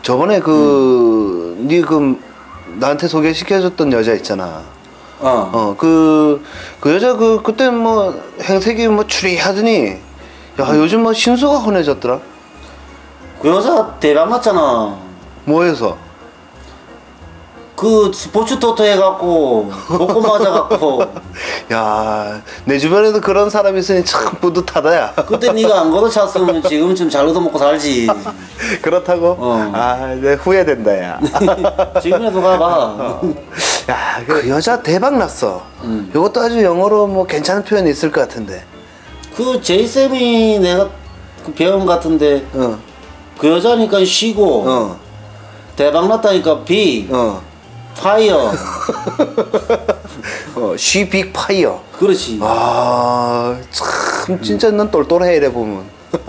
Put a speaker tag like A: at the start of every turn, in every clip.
A: 저번에 니 나한테 소개시켜줬던 여자 있잖아. 그 여자 그때 뭐 행색이 뭐 추리하더니 야 요즘 뭐 신수가 흔해졌더라.
B: 그 여자 대박 났잖아.
A: 뭐해서?
B: 그 스포츠 토토 해갖고 복권 맞아갖고.
A: 야, 내 주변에도 그런 사람이 있으니 참 뿌듯하다 야.
B: 그때 네가 안 걷어찼으면 지금쯤 잘 얻어먹고 살지.
A: 그렇다고? 내 후회된다 야.
B: 지금이라도 가봐.
A: 야, 그 여자 대박 났어. 이것도 아주 영어로 뭐 괜찮은 표현이 있을 것 같은데.
B: 그 제이쌤이 내가 그 배운 것 같은데 그 여자니까 쉬고 대박 났다니까 빅 파이어.
A: She big fire.
B: 그렇지.
A: 아, 참 진짜 넌 똘똘해 이래 보면.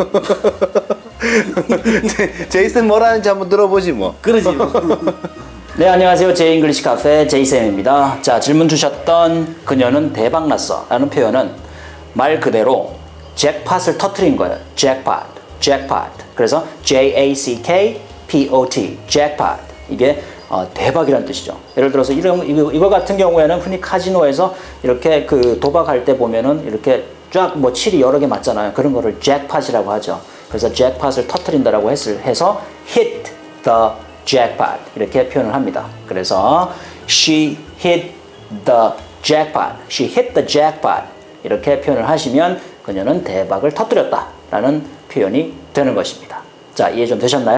A: 제이슨 뭐라는지 한번 들어보지 뭐.
B: 그러지.
C: 네, 안녕하세요. 제잉글리시 카페 제이쌤입니다. 자, 질문 주셨던 그녀는 대박났어 라는 표현은 말 그대로 잭팟을 터트린 거예요. 잭팟. 그래서 J-A-C-K-P-O-T. 잭팟. 이게 대박이라는 뜻이죠. 예를 들어서 이거 같은 경우에는 흔히 카지노에서 이렇게 그 도박할 때 보면은 이렇게 쫙 뭐 칠이 여러 개 맞잖아요. 그런 거를 잭팟이라고 하죠. 그래서 잭팟을 터트린다라고 해서 hit the jackpot 이렇게 표현을 합니다. 그래서 she hit the jackpot, she hit the jackpot 이렇게 표현을 하시면 그녀는 대박을 터뜨렸다 라는 표현이 되는 것입니다. 자, 이해 좀 되셨나요?